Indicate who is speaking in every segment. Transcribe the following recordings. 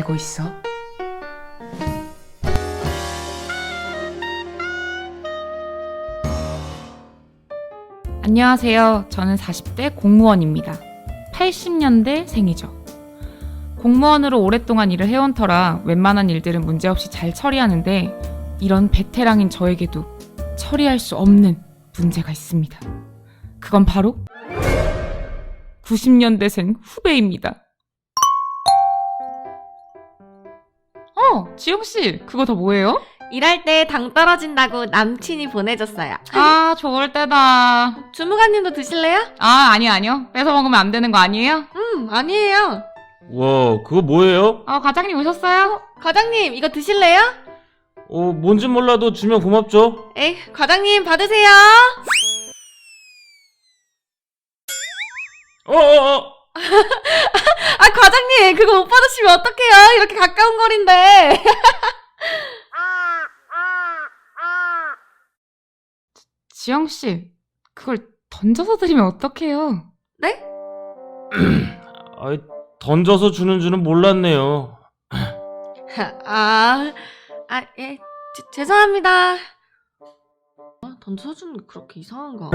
Speaker 1: 알고 있어? 안녕하세요. 저는 40대 공무원입니다. 80년대 생이죠. 공무원으로 오랫동안 일을 해온 터라 웬만한 일들은 문제없이 잘 처리하는데 이런 베테랑인 저에게도 처리할 수 없는 문제가 있습니다. 그건 바로 90년대생 후배입니다. 지영씨, 그거 다 뭐예요?
Speaker 2: 일할 때 당 떨어진다고 남친이 보내줬어요.
Speaker 1: 아, 좋을 때다.
Speaker 2: 주무관님도 드실래요?
Speaker 1: 아니요. 뺏어 먹으면 안 되는 거 아니에요?
Speaker 2: 아니에요.
Speaker 3: 와, 그거 뭐예요?
Speaker 1: 과장님 오셨어요?
Speaker 2: 과장님, 이거 드실래요?
Speaker 3: 뭔진 몰라도 주면 고맙죠.
Speaker 2: 에이, 과장님 받으세요. 과장님, 그거 못 받으시면 어떡해요? 이렇게 가까운 거리인데.
Speaker 1: 지영씨, 그걸 던져서 드리면 어떡해요?
Speaker 2: 네?
Speaker 3: 던져서 주는 줄은 몰랐네요.
Speaker 2: 예, 죄송합니다. 던져서 주는 게 그렇게 이상한가?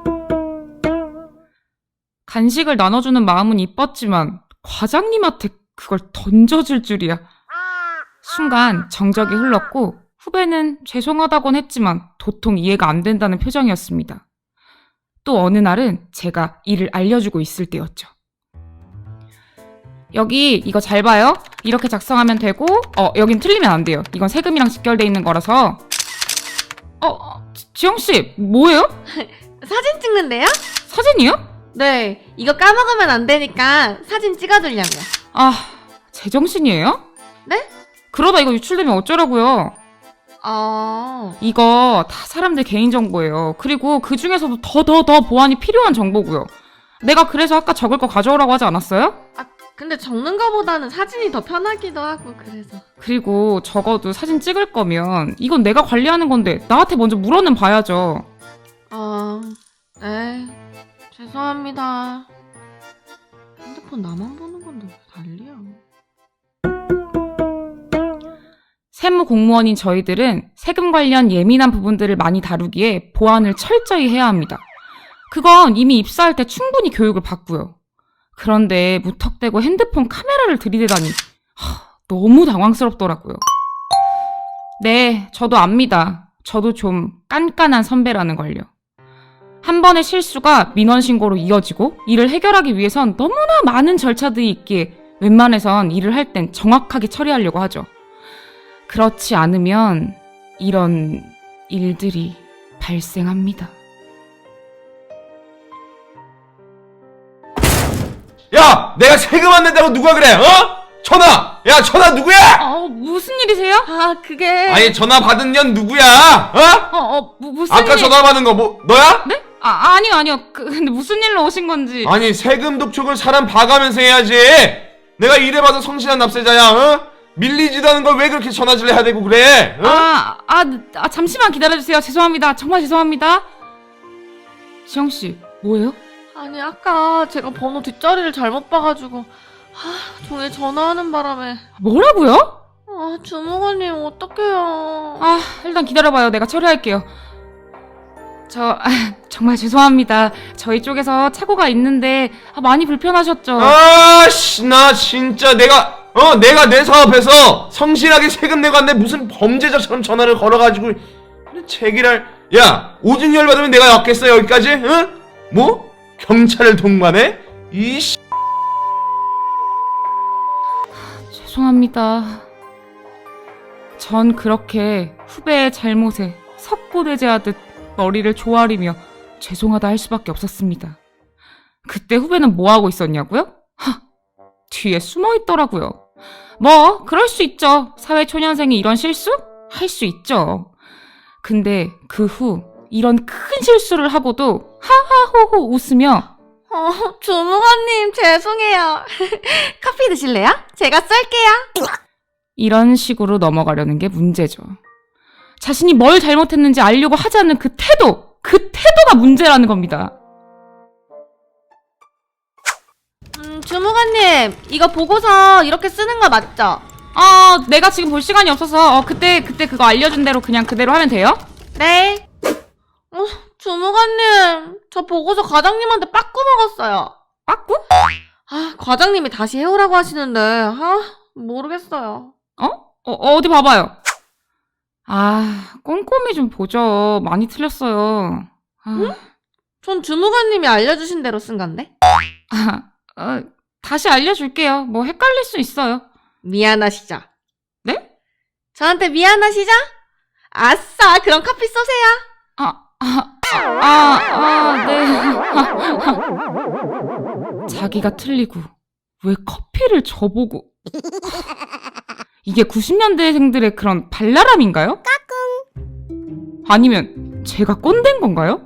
Speaker 1: 간식을 나눠주는 마음은 이뻤지만 과장님한테 그걸 던져줄 줄이야. 순간 정적이 흘렀고 후배는 죄송하다곤 했지만 도통 이해가 안 된다는 표정이었습니다. 또 어느 날은 제가 일을 알려주고 있을 때였죠. 여기 이거 잘 봐요. 이렇게 작성하면 되고 여긴 틀리면 안 돼요. 이건 세금이랑 직결돼 있는 거라서. 지영씨, 뭐예요?
Speaker 2: 사진 찍는데요?
Speaker 1: 사진이요?
Speaker 2: 네, 이거 까먹으면 안 되니까 사진 찍어두려고요.
Speaker 1: 제정신이에요?
Speaker 2: 네?
Speaker 1: 그러다 이거 유출되면 어쩌라고요? 이거 다 사람들 개인정보예요. 그리고 그 중에서도 더 보안이 필요한 정보고요. 내가 그래서 아까 적을 거 가져오라고 하지 않았어요?
Speaker 2: 근데 적는 거보다는 사진이 더 편하기도 하고 그래서.
Speaker 1: 그리고 적어도 사진 찍을 거면 이건 내가 관리하는 건데 나한테 먼저 물어는 봐야죠.
Speaker 2: 네, 죄송합니다. 핸드폰 나만 보는 건데 왜 난리야.
Speaker 1: 세무 공무원인 저희들은 세금 관련 예민한 부분들을 많이 다루기에 보안을 철저히 해야 합니다. 그건 이미 입사할 때 충분히 교육을 받고요. 그런데 무턱대고 핸드폰 카메라를 들이대다니 너무 당황스럽더라고요. 네, 저도 압니다. 저도 좀 깐깐한 선배라는 걸요. 한 번의 실수가 민원신고로 이어지고 이를 해결하기 위해선 너무나 많은 절차들이 있기에 웬만해선 일을 할 땐 정확하게 처리하려고 하죠. 그렇지 않으면 이런 일들이 발생합니다.
Speaker 3: 야! 내가 세금 안 낸다고 누가 그래? 전화! 야, 전화 누구야?
Speaker 1: 무슨 일이세요?
Speaker 2: 그게.
Speaker 3: 아니, 전화 받은 년 누구야?
Speaker 1: 무슨
Speaker 3: 아까
Speaker 1: 일?
Speaker 3: 전화 받은 거 너야?
Speaker 1: 네? 아니요. 근데 무슨 일로 오신 건지.
Speaker 3: 아니, 세금 독촉을 사람 봐가면서 해야지. 내가 일해봐도 성실한 납세자야, 밀리지도 않은 걸 왜 그렇게 전화질 해야 되고 그래?
Speaker 1: 잠시만 기다려주세요. 죄송합니다. 정말 죄송합니다. 지영씨, 뭐예요?
Speaker 2: 아니, 아까 제가 번호 뒷자리를 잘못 봐가지고 종일 전화하는 바람에.
Speaker 1: 뭐라고요?
Speaker 2: 주무관님 어떡해요.
Speaker 1: 일단 기다려봐요. 내가 처리할게요. 정말 죄송합니다. 저희 쪽에서 착오가 있는데 많이 불편하셨죠?
Speaker 3: 나 진짜 내가 내 사업에서 성실하게 세금 내고 왔는데 무슨 범죄자처럼 전화를 걸어가지고 제기랄. 야, 오줌 열받으면 내가 왔겠어 여기까지? 뭐? 경찰을 동반해?
Speaker 1: 죄송합니다. 전 그렇게 후배의 잘못에 석고대죄하듯 머리를 조아리며 죄송하다 할 수밖에 없었습니다. 그때 후배는 뭐하고 있었냐고요? 뒤에 숨어있더라고요. 그럴 수 있죠. 사회초년생이 이런 실수? 할 수 있죠. 근데 그 후 이런 큰 실수를 하고도 하하호호 웃으며
Speaker 2: 주무관님 죄송해요. 커피 드실래요? 제가 쏠게요.
Speaker 1: 이런 식으로 넘어가려는 게 문제죠. 자신이 뭘 잘못했는지 알려고 하지 않는 그 태도가 문제라는 겁니다.
Speaker 2: 주무관님, 이거 보고서 이렇게 쓰는 거 맞죠?
Speaker 1: 내가 지금 볼 시간이 없어서 그때 그거 알려준 대로 그냥 그대로 하면 돼요?
Speaker 2: 네. 주무관님, 저 보고서 과장님한테 빠꾸 먹었어요.
Speaker 1: 빠꾸?
Speaker 2: 과장님이 다시 해오라고 하시는데, 모르겠어요.
Speaker 1: 어디 봐봐요. 꼼꼼히 좀 보죠. 많이 틀렸어요.
Speaker 2: 응? 전 주무관님이 알려주신 대로 쓴 건데?
Speaker 1: 다시 알려줄게요. 뭐 헷갈릴 수 있어요.
Speaker 2: 미안하시죠?
Speaker 1: 네?
Speaker 2: 저한테 미안하시죠? 아싸, 그럼 커피 쏘세요.
Speaker 1: 네. 자기가 틀리고 왜 커피를 저보고. 이게 90년대생들의 그런 발랄함인가요? 아니면 제가 꼰대인 건가요?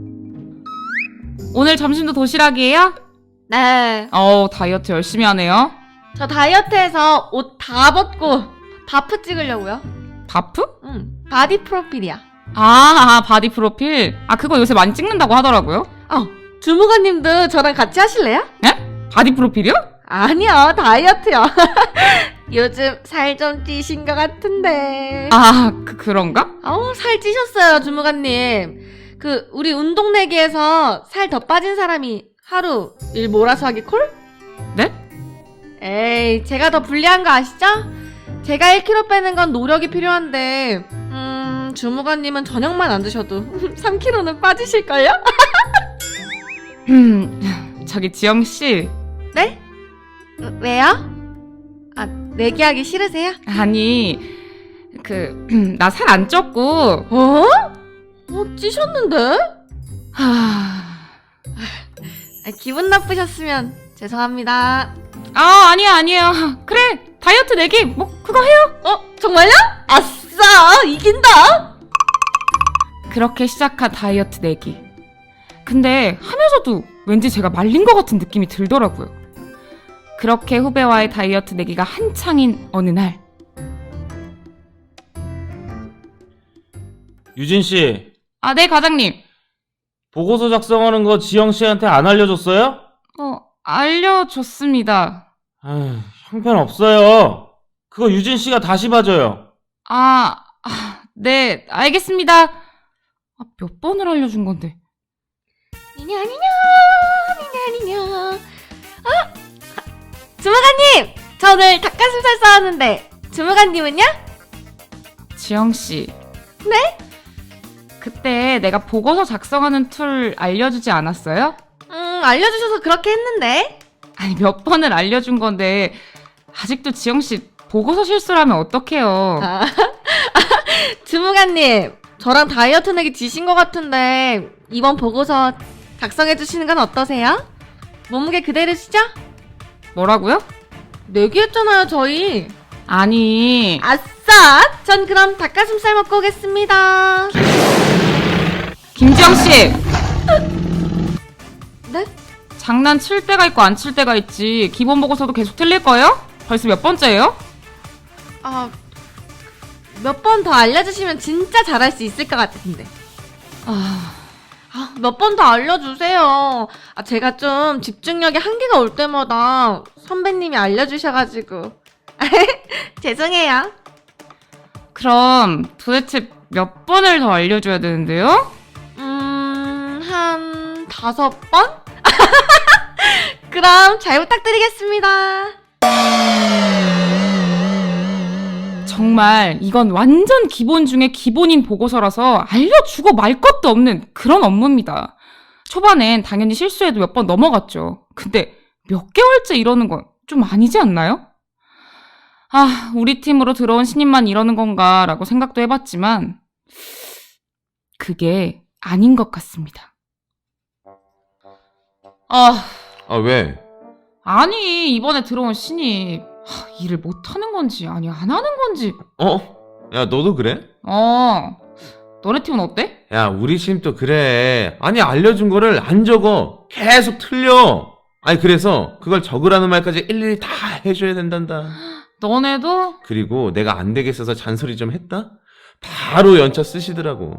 Speaker 1: 오늘 점심도 도시락이에요?
Speaker 2: 네.
Speaker 1: 다이어트 열심히 하네요.
Speaker 2: 저 다이어트해서 옷 다 벗고 바프 찍으려고요.
Speaker 1: 바프?
Speaker 2: 응, 바디 프로필이야.
Speaker 1: 바디 프로필? 그거 요새 많이 찍는다고 하더라고요.
Speaker 2: 주무관님도 저랑 같이 하실래요?
Speaker 1: 네? 바디 프로필이요?
Speaker 2: 아니요, 다이어트요. 요즘 살 좀 찌신 것 같은데.
Speaker 1: 그런가?
Speaker 2: 살 찌셨어요, 주무관님. 우리 운동 내기에서 살 더 빠진 사람이 하루 일 몰아서 하기 콜?
Speaker 1: 네?
Speaker 2: 에이, 제가 더 불리한 거 아시죠? 제가 1kg 빼는 건 노력이 필요한데, 주무관님은 저녁만 안 드셔도 3kg는 빠지실걸요?
Speaker 1: 저기 지영씨.
Speaker 2: 네? 왜요? 내기하기 싫으세요?
Speaker 1: 아니, 나 살 안 쪘고.
Speaker 2: 찌셨는데? 기분 나쁘셨으면 죄송합니다.
Speaker 1: 아니에요. 그래, 다이어트 내기, 뭐, 그거 해요.
Speaker 2: 정말요? 아싸! 이긴다!
Speaker 1: 그렇게 시작한 다이어트 내기. 근데 하면서도 왠지 제가 말린 것 같은 느낌이 들더라고요. 그렇게 후배와의 다이어트 내기가 한창인 어느 날.
Speaker 4: 유진 씨,
Speaker 1: 네, 과장님.
Speaker 4: 보고서 작성하는 거 지영 씨한테 안 알려줬어요?
Speaker 1: 알려줬습니다.
Speaker 4: 형편없어요. 그거 유진 씨가 다시 봐줘요.
Speaker 1: 네, 알겠습니다. 몇 번을 알려준 건데.
Speaker 2: 니냐니냐. 주무관님! 저 오늘 닭가슴살 싸왔는데 주무관님은요?
Speaker 1: 지영씨.
Speaker 2: 네?
Speaker 1: 그때 내가 보고서 작성하는 툴 알려주지 않았어요?
Speaker 2: 알려주셔서 그렇게 했는데.
Speaker 1: 몇 번을 알려준 건데 아직도 지영씨 보고서 실수를 하면 어떡해요.
Speaker 2: 주무관님, 저랑 다이어트 내기 지신 것 같은데 이번 보고서 작성해주시는 건 어떠세요? 몸무게 그대로시죠?
Speaker 1: 뭐라고요?
Speaker 2: 내기했잖아요, 저희.
Speaker 1: 아니,
Speaker 2: 아싸! 전 그럼 닭가슴살 먹고 오겠습니다.
Speaker 1: 김지영씨!
Speaker 2: 네?
Speaker 1: 장난칠 때가 있고 안 칠 때가 있지. 기본 보고서도 계속 틀릴 거예요? 벌써 몇 번째예요?
Speaker 2: 몇 번 더 알려주시면 진짜 잘할 수 있을 것 같은데. 몇 번 더 알려주세요. 제가 좀 집중력에 한계가 올 때마다 선배님이 알려주셔가지고. 죄송해요.
Speaker 1: 그럼 도대체 몇 번을 더 알려줘야 되는데요?
Speaker 2: 한 5번? 그럼 잘 부탁드리겠습니다.
Speaker 1: 정말 이건 완전 기본 중에 기본인 보고서라서 알려주고 말 것도 없는 그런 업무입니다. 초반엔 당연히 실수해도 몇 번 넘어갔죠. 근데 몇 개월째 이러는 건 좀 아니지 않나요? 우리 팀으로 들어온 신입만 이러는 건가 라고 생각도 해봤지만 그게 아닌 것 같습니다.
Speaker 3: 왜?
Speaker 1: 아니, 이번에 들어온 신입 일을 못하는 건지 아니 안 하는 건지.
Speaker 3: 야, 너도 그래?
Speaker 1: 너네 팀은 어때?
Speaker 3: 야, 우리 팀도 그래. 알려준 거를 안 적어. 계속 틀려. 그래서 그걸 적으라는 말까지 일일이 다 해줘야 된단다.
Speaker 1: 너네도?
Speaker 3: 그리고 내가 안 되겠어서 잔소리 좀 했다? 바로 연차 쓰시더라고.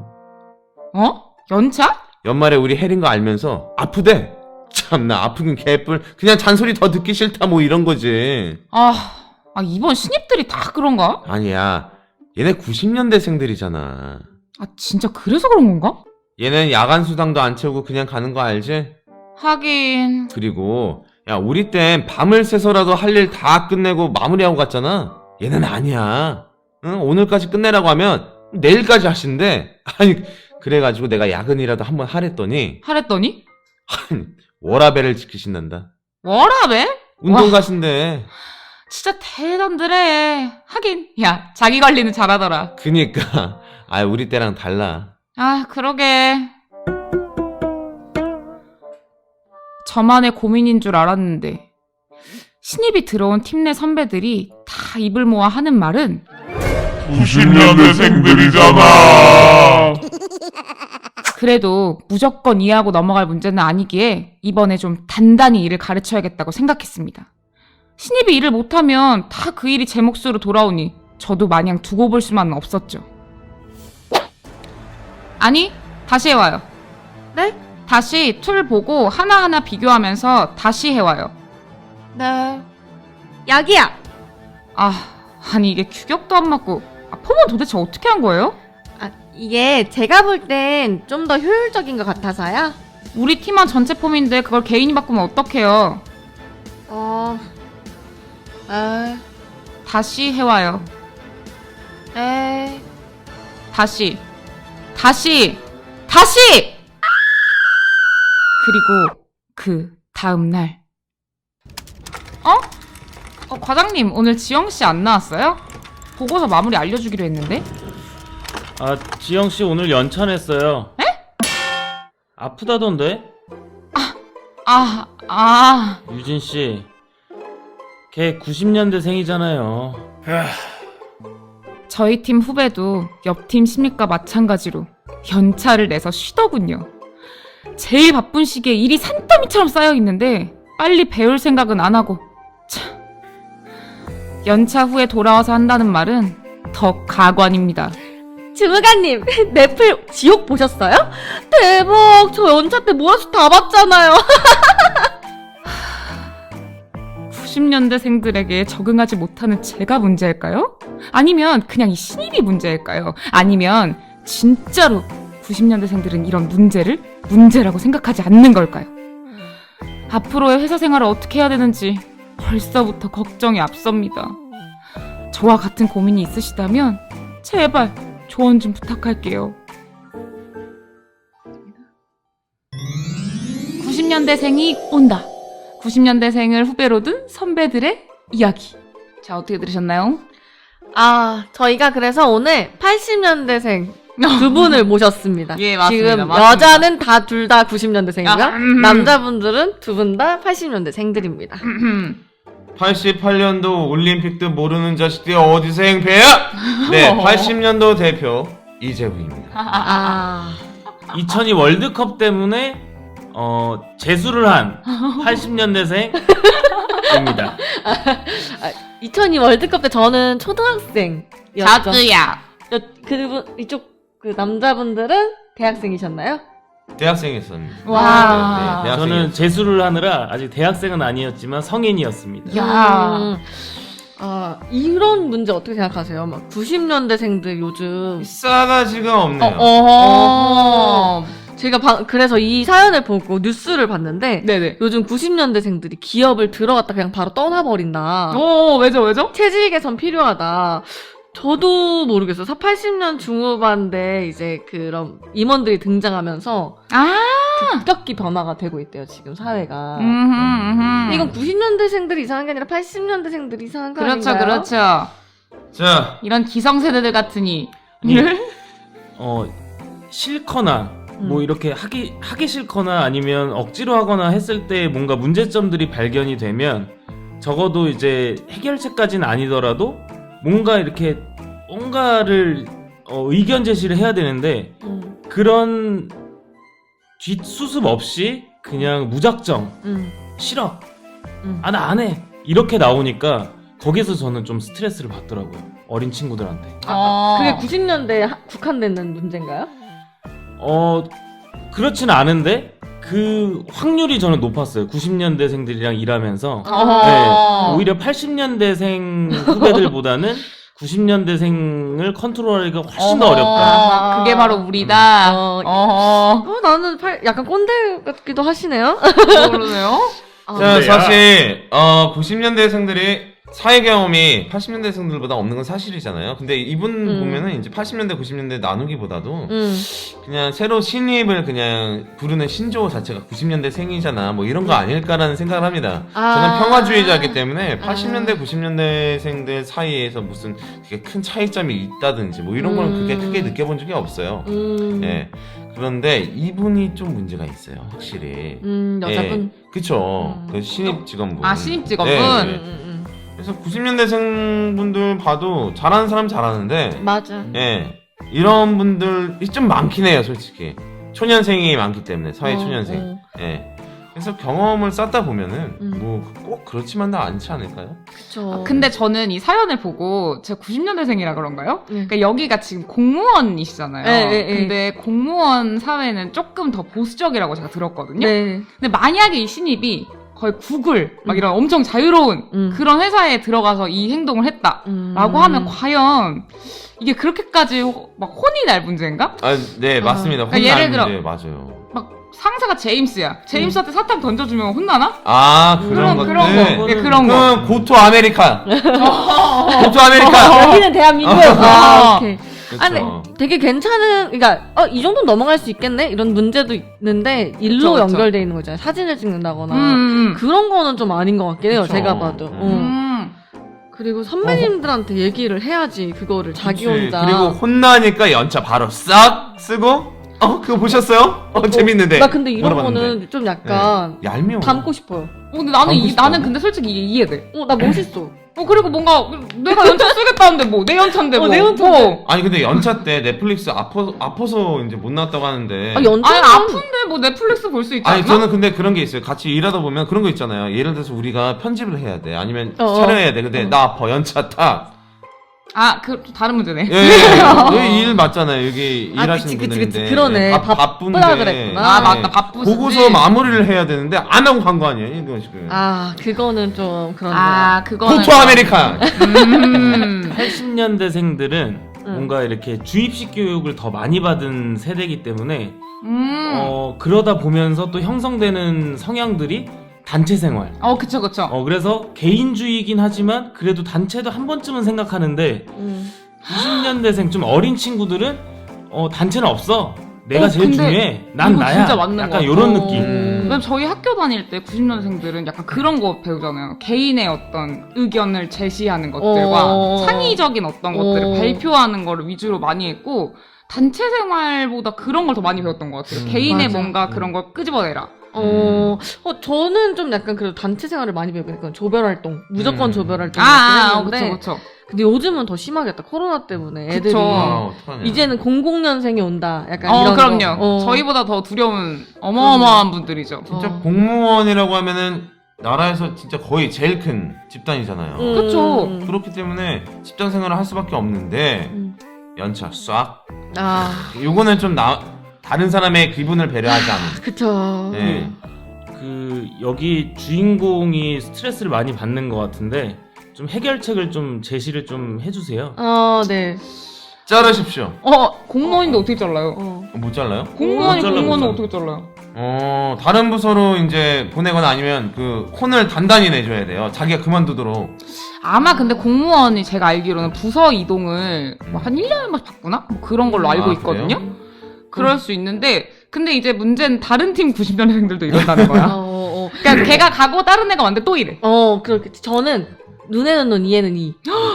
Speaker 1: 연차?
Speaker 3: 연말에 우리 해린 거 알면서 아프대. 참나, 아프긴 개뿔. 그냥 잔소리 더 듣기 싫다 뭐 이런 거지.
Speaker 1: 아, 이번 신입들이 다 그런가?
Speaker 3: 아니야. 얘네 90년대생들이잖아.
Speaker 1: 아, 진짜 그래서 그런 건가?
Speaker 3: 얘는 야간 수당도 안 채우고 그냥 가는 거 알지?
Speaker 1: 하긴.
Speaker 3: 그리고 야, 우리 땐 밤을 새서라도 할 일 다 끝내고 마무리하고 갔잖아. 얘는 아니야. 응? 오늘까지 끝내라고 하면 내일까지 하신대. 아니, 그래가지고 내가 야근이라도 한번 하랬더니
Speaker 1: 하랬더니?
Speaker 3: 워라밸을 지키신단다.
Speaker 1: 워라벨?
Speaker 3: 운동
Speaker 1: 와.
Speaker 3: 가신대.
Speaker 1: 진짜 대단들해. 하긴, 야, 자기 관리는 잘하더라.
Speaker 3: 그니까 아, 우리 때랑 달라.
Speaker 1: 아, 그러게. 저만의 고민인 줄 알았는데, 신입이 들어온 팀 내 선배들이 다 입을 모아 하는 말은
Speaker 5: 90년대생들이잖아.
Speaker 1: 그래도 무조건 이해하고 넘어갈 문제는 아니기에 이번에 좀 단단히 일을 가르쳐야겠다고 생각했습니다. 신입이 일을 못하면 다 그 일이 제 몫으로 돌아오니 저도 마냥 두고 볼 수만은 없었죠. 아니, 다시 해와요.
Speaker 2: 네?
Speaker 1: 다시 툴 보고 하나하나 비교하면서 다시 해와요.
Speaker 2: 네. 약이야.
Speaker 1: 아니 이게 규격도 안 맞고 폼은 도대체 어떻게 한 거예요?
Speaker 2: 아, 이게 제가 볼 땐 좀 더 효율적인 것 같아서요.
Speaker 1: 우리 팀원 전체 폼인데 그걸 개인이 바꾸면 어떡해요? 다시 해와요. 다시 그리고 그 다음날 과장님 오늘 지영씨 안 나왔어요? 보고서 마무리 알려주기로 했는데.
Speaker 4: 아, 지영씨 오늘 연차냈어요.
Speaker 1: 에?
Speaker 4: 아프다던데? 유진씨, 걔 90년대생이잖아요.
Speaker 1: 저희 팀 후배도 옆 팀 신입과 마찬가지로 연차를 내서 쉬더군요. 제일 바쁜 시기에 일이 산더미처럼 쌓여있는데 빨리 배울 생각은 안 하고 참, 연차 후에 돌아와서 한다는 말은 더 가관입니다.
Speaker 2: 주무관님, 넷플 지옥 보셨어요? 대박! 저 연차 때 모아서 다 봤잖아요.
Speaker 1: 90년대생들에게 적응하지 못하는 제가 문제일까요? 아니면 그냥 이 신입이 문제일까요? 아니면 진짜로 90년대생들은 이런 문제를 문제라고 생각하지 않는 걸까요? 앞으로의 회사 생활을 어떻게 해야 되는지 벌써부터 걱정이 앞섭니다. 저와 같은 고민이 있으시다면 제발 조언 좀 부탁할게요. 90년대생이 온다. 90년대생을 후배로 둔 선배들의 이야기. 자, 어떻게 들으셨나요?
Speaker 2: 저희가 그래서 오늘 80년대생 두 분을 모셨습니다.
Speaker 1: 예, 맞습니다.
Speaker 2: 지금
Speaker 1: 맞습니다.
Speaker 2: 여자는 둘 다 90년대생이고요.
Speaker 1: 아,
Speaker 2: 남자분들은 두 분 다 80년대생들입니다.
Speaker 3: 88년도 올림픽도 모르는 자식들이 어디서 행패야? 네, 80년도 대표 이재훈입니다.
Speaker 4: 2002 월드컵 때문에 재수를 한 80년대생입니다.
Speaker 2: 2002 월드컵 때 저는 초등학생이었죠.
Speaker 1: 자두야.
Speaker 2: 그분 이쪽 그 남자분들은 대학생이셨나요?
Speaker 3: 대학생이었습니다.
Speaker 1: 와.
Speaker 3: 네,
Speaker 4: 저는 재수를 하느라 아직 대학생은 아니었지만 성인이었습니다.
Speaker 1: 야.
Speaker 2: 이런 문제 어떻게 생각하세요? 막 90년대생들 요즘
Speaker 3: 싸가지가 없네요.
Speaker 2: 제가 그래서 이 사연을 보고 뉴스를 봤는데
Speaker 1: 네네.
Speaker 2: 요즘 90년대생들이 기업을 들어갔다 그냥 바로 떠나버린다.
Speaker 1: 왜죠?
Speaker 2: 퇴직 개선 필요하다. 저도 모르겠어요. 80년 중후반대 이제 그런 임원들이 등장하면서 급격히 변화가 되고 있대요. 지금 사회가. 이건 90년대생들이 이상한 게 아니라 80년대생들이 이상한 거
Speaker 1: 그렇죠,
Speaker 2: 아닌가요?
Speaker 1: 그렇죠.
Speaker 3: 자,
Speaker 1: 이런 기성세대들 같으니.
Speaker 4: 싫거나 뭐 이렇게 하기 싫거나 아니면 억지로 하거나 했을 때 뭔가 문제점들이 발견이 되면 적어도 이제 해결책까지는 아니더라도 뭔가 이렇게 뭔가를 의견 제시를 해야 되는데 그런 뒷수습 없이 그냥 무작정 싫어 나 안 해 이렇게 나오니까 거기서 저는 좀 스트레스를 받더라고요. 어린 친구들한테.
Speaker 2: 그게 90년대에 국한되는 문제인가요?
Speaker 4: 그렇진 않은데 그 확률이 저는 높았어요. 90년대생들이랑 일하면서.
Speaker 1: 어허.
Speaker 4: 네, 오히려 80년대생 후배들보다는 90년대생을 컨트롤하기가 훨씬 더
Speaker 1: 어허.
Speaker 4: 어렵다.
Speaker 1: 그게 바로 우리다.
Speaker 2: 어,
Speaker 1: 어허.
Speaker 2: 나는 약간 꼰대 같기도 하시네요.
Speaker 1: 모르네요.
Speaker 3: 자, 사실 90년대생들이 사회 경험이 80년대생들보다 없는 건 사실이잖아요. 근데 이분 보면은 이제 80년대, 90년대 나누기보다도 그냥 새로 신입을 그냥 부르는 신조어 자체가 90년대생이잖아. 뭐 이런 거 아닐까라는 생각을 합니다. 저는 평화주의자이기 때문에 80년대, 90년대생들 사이에서 무슨 그게 큰 차이점이 있다든지 뭐 이런 걸 그렇게 크게 느껴본 적이 없어요. 예. 그런데 이분이 좀 문제가 있어요, 확실히.
Speaker 2: 여자분.
Speaker 3: 예. 그쵸. 그 신입 직원분.
Speaker 1: 아, 신입 직원분?
Speaker 3: 네, 네. 그래서 90년대생 분들 봐도 잘하는 사람 잘하는데,
Speaker 2: 맞아.
Speaker 3: 예. 이런 분들이 좀 많긴 해요, 솔직히. 초년생이 많기 때문에, 사회 초년생. 예. 그래서 경험을 쌓다 보면은, 뭐, 꼭 그렇지만도 않지 않을까요?
Speaker 2: 그쵸.
Speaker 1: 근데 저는 이 사연을 보고 제가 90년대생이라 그런가요?
Speaker 2: 네.
Speaker 1: 그러니까 여기가 지금 공무원이시잖아요.
Speaker 2: 네.
Speaker 1: 근데 공무원 사회는 조금 더 보수적이라고 제가 들었거든요.
Speaker 2: 네.
Speaker 1: 근데 만약에 이 신입이 거의 구글 막 이런 엄청 자유로운 그런 회사에 들어가서 이 행동을 했다라고 하면 과연 이게 그렇게까지 막 혼이 날 문제인가?
Speaker 3: 아, 네, 맞습니다.
Speaker 1: 그러니까 예를
Speaker 3: 혼날
Speaker 1: 들어-
Speaker 3: 문제, 맞아요.
Speaker 1: 막 상사가 제임스야. 제임스한테 사탕 던져주면 혼나나?
Speaker 3: 아, 그런 것들.
Speaker 1: 그런 거. 예, 그런 거.
Speaker 3: 그럼 고토 아메리카. 고토 아메리카.
Speaker 2: 여기는 대한민국. 오케이.
Speaker 3: 그쵸.
Speaker 2: 아니, 되게 괜찮은, 그러니까 이 정도는 넘어갈 수 있겠네 이런 문제도 있는데 일로
Speaker 1: 그쵸.
Speaker 2: 연결돼 있는 거 있잖아요. 사진을 찍는다거나
Speaker 1: 음.
Speaker 2: 그런 거는 좀 아닌 것 같긴 해요.
Speaker 3: 그쵸.
Speaker 2: 제가 봐도. 그리고 선배님들한테 얘기를 해야지 그거를 자기
Speaker 3: 그치.
Speaker 2: 혼자.
Speaker 3: 그리고 혼나니까 연차 바로 싹 쓰고 그거 보셨어요? 재밌는데.
Speaker 2: 나 근데 이런
Speaker 3: 물어봤는데.
Speaker 2: 거는 좀 약간
Speaker 3: 네. 얄미워.
Speaker 2: 닮고 싶어요.
Speaker 1: 근데
Speaker 3: 담고 싶다.
Speaker 1: 나는 근데 솔직히 이게 이해돼.
Speaker 2: 나 멋있어.
Speaker 1: 그리고 뭔가 내가 연차 쓰겠다는데 뭐 내 연차인데 뭐.
Speaker 2: 내 연차인데.
Speaker 3: 아니 근데 연차 때 넷플릭스 아파서 이제 못 나왔다고 하는데.
Speaker 2: 연차
Speaker 1: 아니 아픈데 뭐 넷플릭스 볼 수 있지 않나?
Speaker 3: 아니 저는 근데 그런 게 있어요. 같이 일하다 보면 그런 거 있잖아요. 예를 들어서 우리가 편집을 해야 돼. 아니면 촬영해야 돼. 근데 나 아파 연차 타.
Speaker 1: 그 다른 문제네.
Speaker 3: 여기 일 맞잖아요. 여기 일하시는
Speaker 2: 그치.
Speaker 3: 분들인데.
Speaker 2: 그러네.
Speaker 3: 바쁜데.
Speaker 2: 바쁘다 그랬구나.
Speaker 1: 아 맞다 바쁘시지.
Speaker 3: 보고서 마무리를 해야 되는데 안 하고 간 거 아니에요? 이거 지금.
Speaker 2: 그거는 좀 그런데.
Speaker 1: 그거는
Speaker 3: 고토 아메리카.
Speaker 4: 80년대생들은 뭔가 이렇게 주입식 교육을 더 많이 받은 세대이기 때문에 그러다 보면서 또 형성되는 성향들이 단체 생활.
Speaker 1: 그쵸.
Speaker 4: 그래서 개인주의이긴 하지만 그래도 단체도 한 번쯤은 생각하는데 90년대생 좀 어린 친구들은 단체는 없어. 내가 제일
Speaker 1: 근데
Speaker 4: 중요해. 난
Speaker 1: 이거
Speaker 4: 나야.
Speaker 1: 진짜 맞는 것
Speaker 4: 약간
Speaker 1: 같아.
Speaker 4: 이런 느낌.
Speaker 1: 왜냐면 저희 학교 다닐 때 90년생들은 약간 그런 거 배우잖아요. 개인의 어떤 의견을 제시하는 것들과 창의적인 어떤 것들을 발표하는 거를 위주로 많이 했고 단체 생활보다 그런 걸 더 많이 배웠던 것 같아요. 개인의
Speaker 2: 맞아.
Speaker 1: 뭔가 그런 걸 끄집어내라.
Speaker 2: 저는 좀 약간 그래도 단체 생활을 많이 배우고 약간 조별 활동, 무조건 조별 활동 했는데
Speaker 1: 그쵸.
Speaker 2: 근데 요즘은 더 심하겠다. 코로나 때문에 애들이
Speaker 3: 어떡하냐.
Speaker 2: 이제는 00년생이 온다. 약간 이런
Speaker 1: 그럼요.
Speaker 2: 거.
Speaker 1: 저희보다 더 두려운 어마어마한 분들이죠.
Speaker 3: 진짜 공무원이라고 하면은 나라에서 진짜 거의 제일 큰 집단이잖아요.
Speaker 1: 그쵸.
Speaker 3: 그렇기 때문에 직장 생활을 할 수밖에 없는데 연차 싹. 요거는 좀 다른 사람의 기분을 배려하지 않는.
Speaker 2: 그쵸.
Speaker 3: 네.
Speaker 4: 여기 주인공이 스트레스를 많이 받는 것 같은데 좀 해결책을 좀 제시를 좀 해주세요.
Speaker 2: 네.
Speaker 3: 자르십시오.
Speaker 1: 공무원인데 어떻게 잘라요?
Speaker 3: 못 잘라요?
Speaker 1: 공무원이
Speaker 4: 잘라,
Speaker 1: 공무원은
Speaker 4: 못
Speaker 1: 어떻게 잘라요?
Speaker 3: 다른 부서로 이제 보내거나 아니면 그 콘을 단단히 내줘야 돼요. 자기가 그만두도록.
Speaker 1: 아마 근데 공무원이 제가 알기로는 부서 이동을 뭐 한 1년에 한 번씩 바꾸나? 뭐 그런 걸로 알고 있거든요.
Speaker 3: 그래요?
Speaker 1: 그럴 수 있는데 근데 이제 문제는 다른 팀 90년생들도 이런다는 거야. 그러니까 걔가 가고 다른 애가 왔는데 또 이래.
Speaker 2: 그렇겠지. 저는 눈에는 눈, 이에는 이.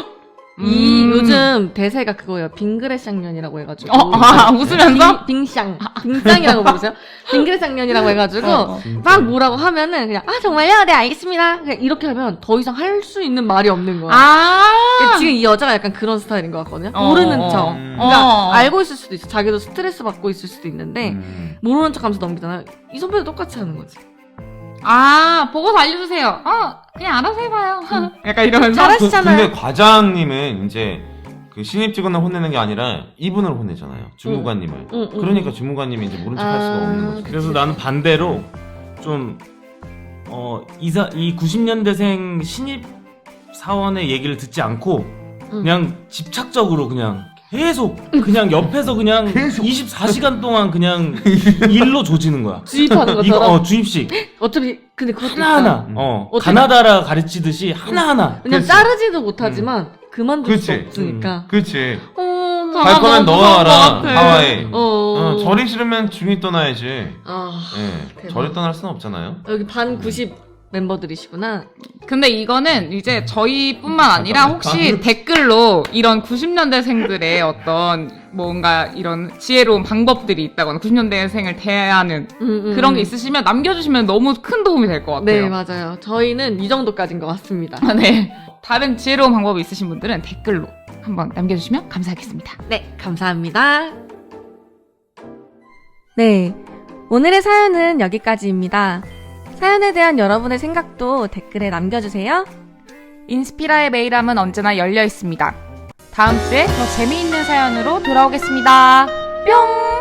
Speaker 2: 요즘 대세가 그거예요. 빙그레쌍년이라고 해가지고.
Speaker 1: 웃으면서?
Speaker 2: 빙쌍이라고 부르세요? 빙그레쌍년이라고 해가지고, 막 뭐라고 하면은 그냥, 정말요? 네, 알겠습니다. 그냥 이렇게 하면 더 이상 할 수 있는 말이 없는 거야. 지금 이 여자가 약간 그런 스타일인 것 같거든요. 모르는 척. 그러니까 알고 있을 수도 있어. 자기도 스트레스 받고 있을 수도 있는데, 모르는 척 하면서 넘기잖아요. 이 선배도 똑같이 하는 거지.
Speaker 1: 보고서 알려주세요. 그냥 알아서 해봐요. 약간 이러면서.
Speaker 2: 잘하시잖아요.
Speaker 3: 근데 과장님은 이제 그 신입 직원을 혼내는 게 아니라 이분을 혼내잖아요. 주무관님을. 그러니까 주무관님이 이제 모른 척 할 수가 없는 거죠.
Speaker 4: 그래서 나는 반대로 좀 이 90년대생 신입 사원의 얘기를 듣지 않고 그냥 집착적으로 그냥 계속 그냥 옆에서 그냥 24시간 동안 그냥 일로 조지는 거야.
Speaker 2: 주입하는 것처럼.
Speaker 4: 주입식.
Speaker 2: 어차피 근데 그것도
Speaker 4: 하나하나.
Speaker 2: 어차피-
Speaker 4: 가나다라 가르치듯이 하나하나.
Speaker 2: 그냥
Speaker 3: 그치.
Speaker 2: 자르지도 못하지만 그만둘 수
Speaker 3: 그치.
Speaker 2: 없으니까.
Speaker 3: 그치.
Speaker 2: 갈
Speaker 3: 갈 거면 너가 알아. 하와이.
Speaker 2: 어.
Speaker 3: 절이 싫으면 중이 떠나야지.
Speaker 2: 아,
Speaker 3: 예.
Speaker 2: 대박.
Speaker 3: 절이 떠날 수는 없잖아요.
Speaker 2: 여기 반 90 멤버들이시구나.
Speaker 1: 근데 이거는 이제 저희뿐만 아니라 혹시 댓글로 이런 90년대생들의 어떤 뭔가 이런 지혜로운 방법들이 있다거나 90년대생을 대하는 그런 게 있으시면 남겨주시면 너무 큰 도움이 될 것 같아요.
Speaker 2: 네, 맞아요. 저희는 이 정도까지인 것 같습니다.
Speaker 1: 네. 다른 지혜로운 방법이 있으신 분들은 댓글로 한번 남겨주시면 감사하겠습니다.
Speaker 2: 네, 감사합니다. 네, 오늘의 사연은 여기까지입니다. 사연에 대한 여러분의 생각도 댓글에 남겨주세요.
Speaker 1: 인스피라의 메일함은 언제나 열려 있습니다. 다음 주에 더 재미있는 사연으로 돌아오겠습니다. 뿅!